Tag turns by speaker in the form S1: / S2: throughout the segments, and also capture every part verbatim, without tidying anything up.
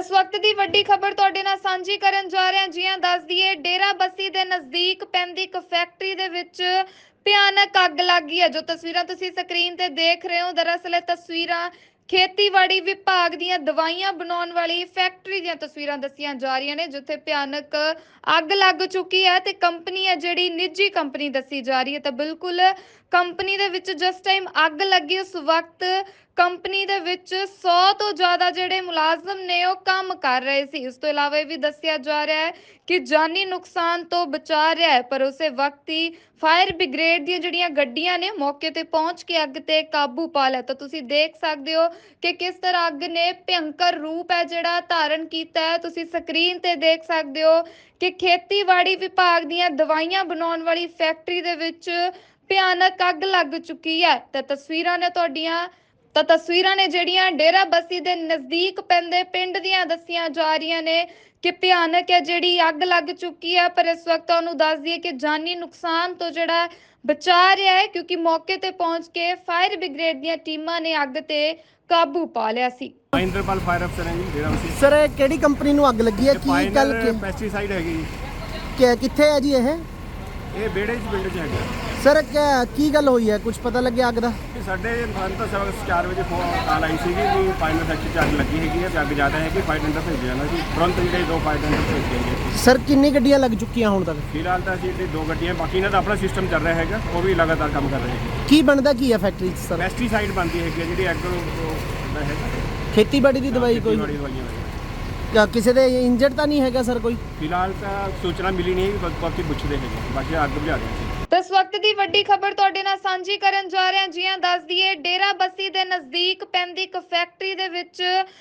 S1: इस वक्त की वड्डी खबर तुहाडे नाल सांझी करन जा रहे हैं। जी हां, दस दईए डेरा बस्सी दे नज़दीक पैंदी एक फैक्ट्री दे विच भयानक अग लग गई है। जो तस्वीरां तुसीं स्क्रीन ते देख रहे हो, दरअसल ये तस्वीरां खेतीबाड़ी विभाग दीयां दवाइयां बनाउण वाली फैक्ट्री दीयां तस्वीरां दस्सियां जा रही ने, जिथे भयानक अग लग चुकी है ते कंपनी है जिहड़ी निजी कंपनी दस्सी जा रही है। तो बिल्कुल कंपनी दे विच जिस टाइम अग लगी उस वक्त कंपनी दे विच सौ तो ज़्यादा जिहड़े मुलाजम ने ਉਹ ਕੰਮ ਕਰ ਰਹੇ ਸੀ। ਉਸ ਤੋਂ ਇਲਾਵਾ ਇਹ ਵੀ ਦੱਸਿਆ ਜਾ ਰਿਹਾ ਹੈ ਕਿ ਜਾਨੀ ਨੁਕਸਾਨ ਤੋਂ ਬਚਾ ਰਿਹਾ ਹੈ, ਪਰ ਉਸੇ ਵਕਤ ਹੀ ਫਾਇਰ ਬ੍ਰਿਗੇਡ ਦੀਆਂ ਜਿਹੜੀਆਂ ਗੱਡੀਆਂ ਨੇ ਮੌਕੇ ਤੇ ਪਹੁੰਚ ਕੇ ਅੱਗ ਤੇ ਕਾਬੂ ਪਾ ਲਿਆ। ਤਾਂ ਤੁਸੀਂ ਦੇਖ ਸਕਦੇ ਹੋ ਕਿ ਕਿਸ ਤਰ੍ਹਾਂ ਅੱਗ ਨੇ ਭਿਅੰਕਰ ਰੂਪ ਹੈ ਜਿਹੜਾ ਧਾਰਨ ਕੀਤਾ ਹੈ। ਤੁਸੀਂ ਸਕਰੀਨ ਤੇ ਦੇਖ ਸਕਦੇ ਹੋ ਕਿ ਖੇਤੀਬਾੜੀ ਵਿਭਾਗ ਦੀਆਂ ਦਵਾਈਆਂ ਬਣਾਉਣ ਵਾਲੀ ਫੈਕਟਰੀ ਦੇ ਵਿੱਚ ਭਿਆਨਕ ਅੱਗ ਲੱਗ ਚੁੱਕੀ ਹੈ। ਤਾਂ ਤਸਵੀਰਾਂ ਨੇ ਤੁਹਾਡੀਆਂ ਤਾਂ ਤਸਵੀਰਾਂ ਨੇ ਜਿਹੜੀਆਂ ਡੇਰਾ ਬਸੀ ਦੇ ਨਜ਼ਦੀਕ ਪੈਂਦੇ ਪਿੰਡ ਦੀਆਂ ਦੱਸੀਆਂ ਜਾ ਰਹੀਆਂ ਨੇ ਕਿ ਭਿਆਨਕ ਹੈ ਜਿਹੜੀ ਅੱਗ ਲੱਗ ਚੁੱਕੀ ਹੈ। ਪਰ ਇਸ ਵਕਤ ਉਹਨੂੰ ਦੱਸ ਦਈਏ ਕਿ ਜਾਨੀ ਨੁਕਸਾਨ ਤੋਂ ਜਿਹੜਾ ਬਚਾ ਰਿਹਾ ਹੈ, ਕਿਉਂਕਿ ਮੌਕੇ ਤੇ ਪਹੁੰਚ ਕੇ ਫਾਇਰ ਬ੍ਰਿਗੇਡ ਦੀਆਂ ਟੀਮਾਂ ਨੇ ਅੱਗ ਤੇ ਕਾਬੂ ਪਾ ਲਿਆ ਸੀ।
S2: ਮਹਿੰਦਰਪਾਲ ਫਾਇਰ ਅਫਸਰ ਹੈ ਜੀ ਡੇਰਾ ਬਸੀ।
S3: ਸਰ ਇਹ ਕਿਹੜੀ ਕੰਪਨੀ ਨੂੰ ਅੱਗ ਲੱਗੀ ਹੈ? ਕੀ ਗੱਲ ਕਿ-
S2: ਪੈਸਟੀਸਾਈਡ ਹੈਗੀ ਜੀ।
S3: ਕਿ- ਕਿੱਥੇ ਹੈ ਜੀ ਇਹ?
S2: ਇਹ ਬੇੜੇ 'ਚ ਪਿੰਡ 'ਚ ਹੈਗਾ।
S3: ਸਰ ਕਿਆ- ਕੀ ਗੱਲ ਹੋਈ ਹੈ? ਕੁਝ ਪਤਾ ਲੱਗਿਆ ਅੱਗ ਦਾ?
S2: ਕਿ ਸਾਡੇ ਸਾਨੂੰ ਤਾਂ ਸਵਾ ਚਾਰ ਵਜੇ ਫੋਨ ਕਾਲ ਆਈ ਸੀਗੀ ਵੀ ਫਾਈਨਲ ਫੈਕਟਰੀ 'ਚ ਅੱਗ ਲੱਗੀ ਹੈਗੀ ਹੈ ਤੇ ਅੱਗ ਜ਼ਿਆਦਾ ਹੈ ਕਿ ਫਾਇਰ ਟੈਂਡਰ ਭੇਜਿਆ ਜਾਣਾ ਸੀ। ਤੁਰੰਤ ਜਿਹੜੇ ਦੋ ਫਾਇਰ ਟੈਂਡਰ ਭੇਜ ਗਏ।
S3: ਸਰ ਕਿੰਨੀ ਗੱਡੀਆਂ ਲੱਗ ਚੁੱਕੀਆਂ ਹੁਣ ਤੱਕ?
S2: ਫਿਲਹਾਲ ਤਾਂ ਅਸੀਂ ਇੱਥੇ ਦੋ ਗੱਡੀਆਂ, ਬਾਕੀ ਇਹਨਾਂ ਦਾ ਆਪਣਾ ਸਿਸਟਮ ਚੱਲ ਰਿਹਾ ਹੈਗਾ, ਉਹ ਵੀ ਲਗਾਤਾਰ ਕੰਮ ਕਰ ਰਹੇ ਹੈਗੇ।
S3: ਕੀ ਬਣਦਾ ਕੀ ਹੈ ਫੈਕਟਰੀ 'ਚ ਸਰ?
S2: ਪੈਸਟੀਸਾਈਡ ਬਣਦੀ ਹੈਗੀ ਹੈ ਜਿਹੜੀ ਐਗਰੋ ਦਾ ਹੈਗਾ।
S3: ਖੇਤੀਬਾੜੀ ਦੀ ਦਵਾਈ ਕੋਈ?
S2: ਖੇਤੀਬਾੜੀ ਦਵਾਈਆਂ ਹੈਗੀਆਂ।
S3: ਕਿਆ ਕਿਸੇ ਦੇ ਇੰਜਰਡ ਤਾਂ ਨਹੀਂ ਹੈਗਾ ਸਰ ਕੋਈ?
S2: ਫਿਲਹਾਲ ਤਾਂ ਸੂਚਨਾ ਮਿਲੀ ਨਹੀਂ, ਬਸ ਬਾਕੀ ਪੁੱਛਦੇ ਹੈਗੇ, ਬਾਕੀ ਅੱਗ ਬੁਝਾ ਰਹੇ ਸੀ।
S1: तो इस वक्त की वड्डी खबर तुहाडे नाल सांझी करन जा रहे हैं। जी हां, दस दईए डेरा बस्सी दे नज़दीक पैंदी एक फैक्ट्री दे विच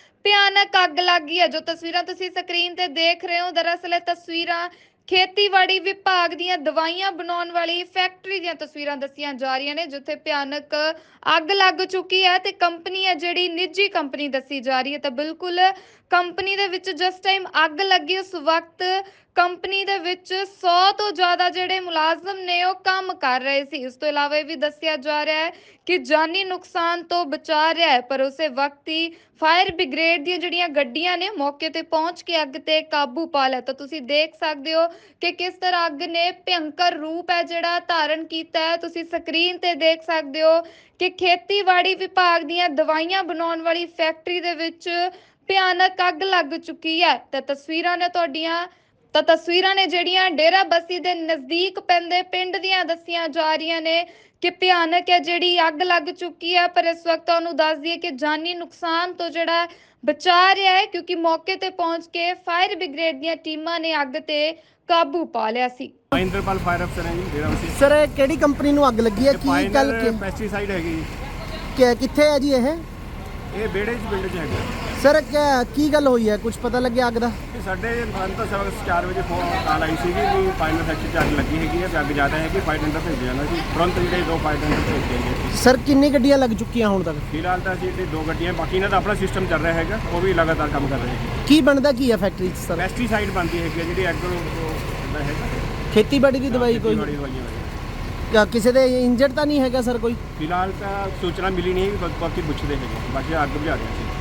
S1: भयानक अग लग गई है। जो तस्वीरां तुसीं स्क्रीन ते देख रहे हो, दरअसल ये तस्वीरां ਖੇਤੀਬਾੜੀ ਵਿਭਾਗ ਦੀਆਂ ਦਵਾਈਆਂ ਬਣਾਉਣ ਵਾਲੀ ਫੈਕਟਰੀ ਦੀਆਂ ਤਸਵੀਰਾਂ ਦੱਸੀਆਂ ਜਾ ਰਹੀਆਂ ਨੇ, ਜਿੱਥੇ ਭਿਆਨਕ ਅੱਗ ਲੱਗ ਚੁੱਕੀ ਹੈ ਤੇ ਕੰਪਨੀ ਹੈ ਜਿਹੜੀ ਨਿੱਜੀ ਕੰਪਨੀ ਦੱਸੀ ਜਾ ਰਹੀ ਹੈ। ਤਾਂ ਬਿਲਕੁਲ ਕੰਪਨੀ ਦੇ ਵਿੱਚ ਜਿਸ ਟਾਈਮ ਅੱਗ ਲੱਗੀ ਉਸ ਵਕਤ ਕੰਪਨੀ ਦੇ ਵਿੱਚ ਸੌ ਤੋਂ ਜ਼ਿਆਦਾ ਜਿਹੜੇ ਮੁਲਾਜ਼ਮ ਨੇ ਉਹ ਕੰਮ ਕਰ ਰਹੇ ਸੀ। ਉਸ ਤੋਂ ਇਲਾਵਾ ਇਹ ਵੀ ਦੱਸਿਆ ਜਾ ਰਿਹਾ ਹੈ ਕਿ ਜਾਨੀ ਨੁਕਸਾਨ ਤੋਂ ਬਚਾ ਰਿਹਾ ਹੈ, ਪਰ ਉਸੇ ਵਕਤ ਹੀ ਫਾਇਰ ਬ੍ਰਿਗੇਡ ਦੀਆਂ ਜਿਹੜੀਆਂ ਗੱਡੀਆਂ ਨੇ ਮੌਕੇ ਤੇ ਪਹੁੰਚ ਕੇ ਅੱਗ ਤੇ ਕਾਬੂ ਪਾ ਲਿਆ। ਤਾਂ ਤੁਸੀਂ ਦੇਖ ਸਕਦੇ ਹੋ ਕਿ ਕਿਸ ਤਰ੍ਹਾਂ ਅੱਗ ਨੇ ਭਿਅੰਕਰ ਰੂਪ ਹੈ ਜਿਹੜਾ ਧਾਰਨ ਕੀਤਾ ਹੈ। ਤੁਸੀਂ ਸਕਰੀਨ ਤੇ ਦੇਖ ਸਕਦੇ ਹੋ ਕਿ ਖੇਤੀਬਾੜੀ ਵਿਭਾਗ ਦੀਆਂ ਦਵਾਈਆਂ ਬਣਾਉਣ ਵਾਲੀ ਫੈਕਟਰੀ ਦੇ ਵਿੱਚ ਭਿਆਨਕ ਅੱਗ ਲੱਗ ਚੁੱਕੀ ਹੈ। ਤਾਂ ਤਸਵੀਰਾਂ ਨੇ ਤੁਹਾਡੀਆਂ ਤਾਂ ਤਸਵੀਰਾਂ ਨੇ ਜਿਹੜੀਆਂ ਡੇਰਾ ਬਸੀ ਦੇ ਨਜ਼ਦੀਕ ਪੈਂਦੇ ਪਿੰਡ ਦੀਆਂ ਦੱਸੀਆਂ ਜਾ ਰਹੀਆਂ ਨੇ ਕਿ ਭਿਆਨਕ ਹੈ ਜਿਹੜੀ ਅੱਗ ਲੱਗ ਚੁੱਕੀ ਹੈ। ਪਰ ਇਸ ਵਕਤ ਉਹਨੂੰ ਦੱਸ ਦਈਏ ਕਿ ਜਾਨੀ ਨੁਕਸਾਨ ਤੋਂ ਜਿਹੜਾ ਬਚਾ ਰਿਹਾ ਹੈ, ਕਿਉਂਕਿ ਮੌਕੇ ਤੇ ਪਹੁੰਚ ਕੇ ਫਾਇਰ ਬ੍ਰਿਗੇਡ ਦੀਆਂ ਟੀਮਾਂ ਨੇ ਅੱਗ ਤੇ ਕਾਬੂ ਪਾ ਲਿਆ ਸੀ।
S2: ਮਹਿੰਦਰਪਾਲ ਫਾਇਰ ਅਫਸਰ ਹੈ ਜੀ ਡੇਰਾ ਬਸੀ।
S3: ਸਰ ਇਹ ਕਿਹੜੀ ਕੰਪਨੀ ਨੂੰ ਅੱਗ ਲੱਗੀ ਹੈ? ਕੀ ਗੱਲ ਕਿ-
S2: ਪੈਸਟੀਸਾਈਡ ਹੈਗੀ ਜੀ।
S3: ਕਿ- ਕਿੱਥੇ ਹੈ ਜੀ ਇਹ?
S2: ਇਹ ਬੇੜੇ 'ਚ ਪਿੰਡ 'ਚ ਹੈਗਾ।
S3: ਸਰ ਕਿਆ- ਕੀ ਗੱਲ ਹੋਈ ਹੈ? ਕੁਝ ਪਤਾ ਲੱਗਿਆ ਅੱਗ ਦਾ?
S2: ਕਿ ਸਾਡੇ ਸਾਨੂੰ ਤਾਂ ਸਵਾ ਚਾਰ ਵਜੇ ਫੋਨ ਕਾਲ ਆਈ ਸੀਗੀ ਵੀ ਫਾਈਨਲ ਫੈਕਟਰੀ 'ਚ ਅੱਗ ਲੱਗੀ ਹੈਗੀ ਹੈ ਤੇ ਅੱਗ ਜ਼ਿਆਦਾ ਹੈ ਕਿ ਫਾਇਰ ਟੈਂਡਰ ਭੇਜਿਆ ਜਾਣਾ ਸੀ। ਤੁਰੰਤ ਜਿਹੜੇ ਦੋ ਫਾਇਰ ਟੈਂਡਰ ਭੇਜ ਗਏ।
S3: ਸਰ ਕਿੰਨੀ ਗੱਡੀਆਂ ਲੱਗ ਚੁੱਕੀਆਂ ਹੁਣ ਤੱਕ?
S2: ਫਿਲਹਾਲ ਤਾਂ ਅਸੀਂ ਇੱਥੇ ਦੋ ਗੱਡੀਆਂ, ਬਾਕੀ ਇਹਨਾਂ ਦਾ ਆਪਣਾ ਸਿਸਟਮ ਚੱਲ ਰਿਹਾ ਹੈਗਾ, ਉਹ ਵੀ ਲਗਾਤਾਰ ਕੰਮ ਕਰ ਰਹੇ ਹੈਗੇ।
S3: ਕੀ ਬਣਦਾ ਕੀ ਹੈ ਫੈਕਟਰੀ 'ਚ ਸਰ?
S2: ਪੈਸਟੀਸਾਈਡ ਬਣਦੀ ਹੈਗੀ ਹੈ ਜਿਹੜੀ ਐਗਰੋ ਦਾ ਹੈਗਾ।
S3: ਖੇਤੀਬਾੜੀ ਦੀ ਦਵਾਈ ਕੋਈ?
S2: ਖੇਤੀਬਾੜੀ ਦਵਾਈਆਂ ਹੈਗੀਆਂ।
S3: ਕਿਆ ਕਿਸੇ ਦੇ ਇੰਜਰਡ ਤਾਂ ਨਹੀਂ ਹੈਗਾ ਸਰ ਕੋਈ?
S2: ਫਿਲਹਾਲ ਤਾਂ ਸੂਚਨਾ ਮਿਲੀ ਨਹੀਂ, ਬਸ ਬਾਕੀ ਪੁੱਛਦੇ ਹੈਗੇ, ਬਾਕੀ ਅੱਗ ਬੁਝਾ ਰਹੇ ਸੀ।